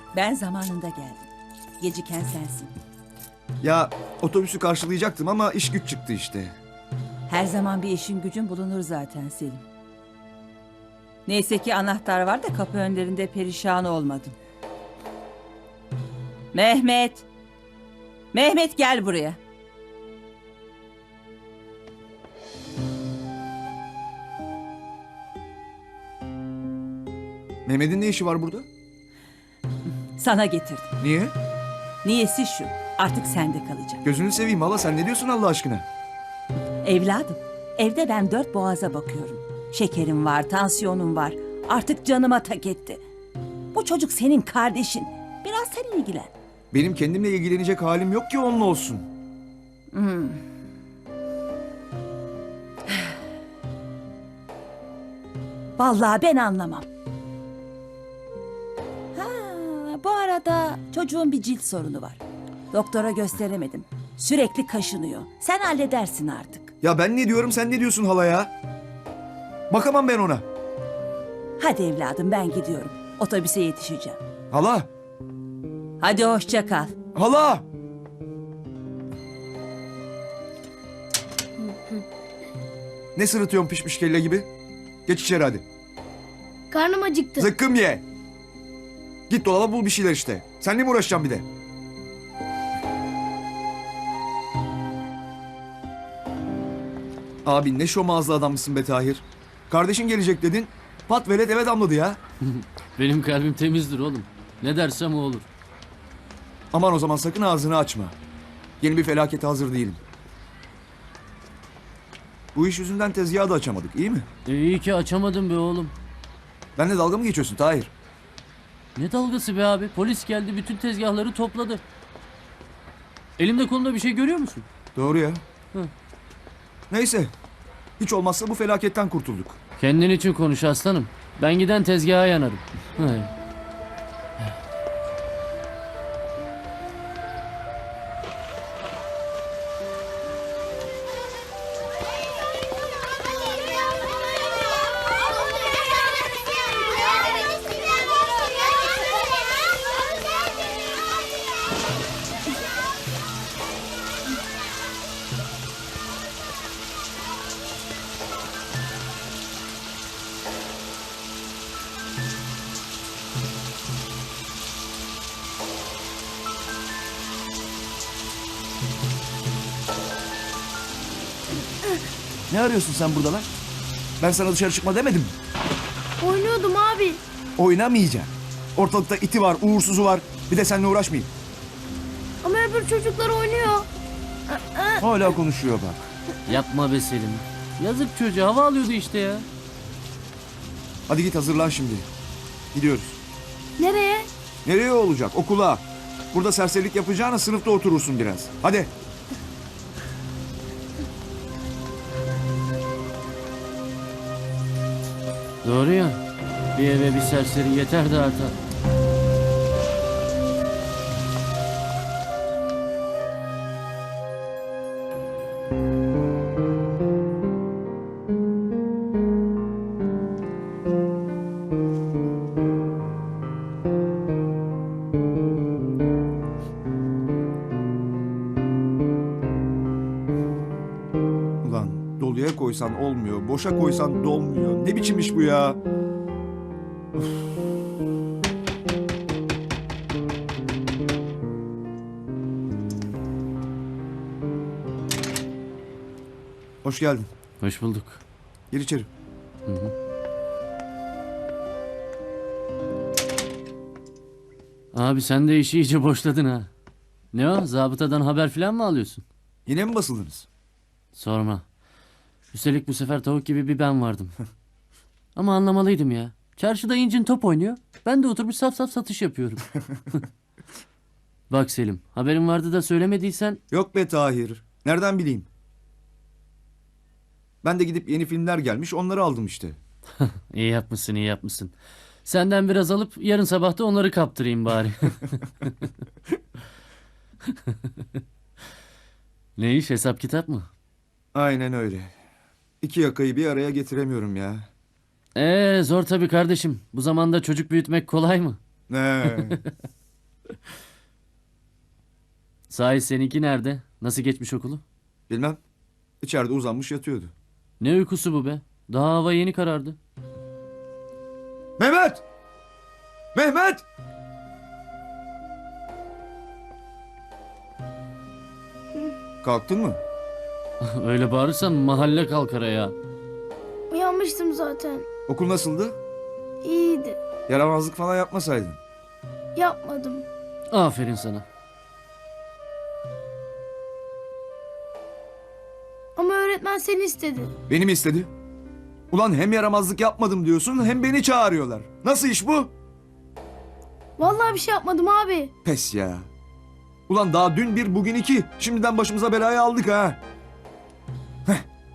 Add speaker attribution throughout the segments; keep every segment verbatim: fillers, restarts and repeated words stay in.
Speaker 1: Ben zamanında geldim. Geciken sensin.
Speaker 2: Ya otobüsü karşılayacaktım ama iş güç çıktı işte.
Speaker 1: Her zaman bir işin gücün bulunur zaten Selim. Neyse ki anahtar var da kapı önlerinde perişan olmadım. Mehmet! Mehmet gel buraya.
Speaker 2: Mehmet'in ne işi var burada?
Speaker 1: Sana getirdim.
Speaker 2: Niye?
Speaker 1: Niyesi şu. Artık sende kalacak.
Speaker 2: Gözünü seveyim hala, sen ne diyorsun Allah aşkına?
Speaker 1: Evladım, evde ben dört boğaza bakıyorum. Şekerim var, tansiyonum var. Artık canıma tak etti. Bu çocuk senin kardeşin. Biraz sen ilgilen.
Speaker 2: Benim kendimle ilgilenecek halim yok ki onunla olsun.
Speaker 1: Vallahi ben anlamam. Ha, bu arada çocuğun bir cilt sorunu var. Doktora gösteremedim. Sürekli kaşınıyor. Sen halledersin artık.
Speaker 2: Ya ben ne diyorum, sen ne diyorsun hala ya? Bakamam ben ona.
Speaker 1: Hadi evladım ben gidiyorum. Otobüse yetişeceğim.
Speaker 2: Hala,
Speaker 1: Hadi hoşça kal.
Speaker 2: hala! Ne sırıtıyorsun pişmiş kelle gibi? Geç içeri hadi.
Speaker 3: Karnım acıktı.
Speaker 2: Zıkkım ye. Git dolaba bul bir şeyler işte. Seninle mi uğraşacağım bir de? Abi ne şomazlı adammışsın be Tahir. Kardeşin gelecek dedin. Pat velet eve damladı ya.
Speaker 4: Benim kalbim temizdir oğlum. Ne dersem o olur.
Speaker 2: Aman o zaman sakın ağzını açma. Yeni bir felakete hazır değilim. Bu iş yüzünden tezgahı da açamadık, iyi mi?
Speaker 4: E iyi ki açamadım be oğlum.
Speaker 2: Benle dalga mı geçiyorsun Tahir?
Speaker 4: Ne dalgası be abi? Polis geldi, bütün tezgahları topladı. Elimde kolumda bir şey görüyor musun?
Speaker 2: Doğru ya.
Speaker 4: Hı.
Speaker 2: Neyse. Hiç olmazsa bu felaketten kurtulduk.
Speaker 4: Kendin için konuş aslanım. Ben giden tezgaha yanarım. Hay.
Speaker 2: Ne arıyorsun sen burada lan? Ben sana dışarı çıkma demedim mi?
Speaker 3: Oynuyordum abi.
Speaker 2: Oynamayacaksın. Ortalıkta iti var, uğursuzu var. Bir de seninle uğraşmayayım.
Speaker 3: Ama öbür çocuklar oynuyor.
Speaker 2: Hala konuşuyor bak.
Speaker 4: Yapma be Selim. Yazık çocuğa, hava alıyordu işte ya.
Speaker 2: Hadi git hazırlan şimdi. Gidiyoruz.
Speaker 3: Nereye?
Speaker 2: Nereye olacak? Okula. Burada serserilik yapacağına sınıfta oturursun biraz. Hadi.
Speaker 4: Doğru ya. Bir eve bir serseri yeter de artar.
Speaker 2: Ulan doluya koysan olmuyor, boşa koysan dolmuyor. Ne biçim iş bu ya? Üf. Hoş geldin.
Speaker 4: Hoş bulduk.
Speaker 2: Gir içeri.
Speaker 4: Abi sen de işi iyice boşladın ha. Ne o? Zabıtadan haber falan mı alıyorsun?
Speaker 2: Yine mi basıldınız?
Speaker 4: Sorma. Üstelik bu sefer tavuk gibi bir ben vardım. Ama anlamalıydım ya. Çarşıda incin top oynuyor. Ben de oturmuş saf saf satış yapıyorum. Bak Selim, haberin vardı da söylemediysen...
Speaker 2: Yok be Tahir. Nereden bileyim? Ben de gidip yeni filmler gelmiş onları aldım işte.
Speaker 4: İyi yapmışsın, iyi yapmışsın. Senden biraz alıp yarın sabah da onları kaptırayım bari. Ne iş, hesap kitap mı?
Speaker 2: Aynen öyle. İki yakayı bir araya getiremiyorum ya.
Speaker 4: Ee zor tabii kardeşim. Bu zamanda çocuk büyütmek kolay mı?
Speaker 2: Ne?
Speaker 4: Sahi seninki nerede? Nasıl geçmiş okulu?
Speaker 2: Bilmem. İçeride uzanmış yatıyordu.
Speaker 4: Ne uykusu bu be? Daha hava yeni karardı.
Speaker 2: Mehmet! Mehmet! Kalktın mı?
Speaker 4: Öyle bağırırsan mahalle kalkar ya.
Speaker 3: Uyanmıştım zaten.
Speaker 2: Okul nasıldı?
Speaker 3: İyiydi.
Speaker 2: Yaramazlık falan yapmasaydın.
Speaker 3: Yapmadım.
Speaker 4: Aferin sana.
Speaker 3: Ama öğretmen seni istedi.
Speaker 2: Beni mi istedi? Ulan hem yaramazlık yapmadım diyorsun hem beni çağırıyorlar. Nasıl iş bu?
Speaker 3: Vallahi bir şey yapmadım abi.
Speaker 2: Pes ya. Ulan daha dün bir bugün iki. Şimdiden başımıza belayı aldık ha. Heh.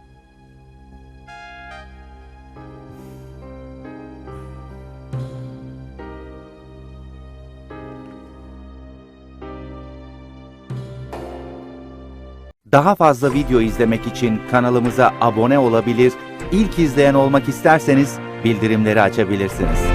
Speaker 5: Daha fazla video izlemek için kanalımıza abone olabilir, ilk izleyen olmak isterseniz bildirimleri açabilirsiniz.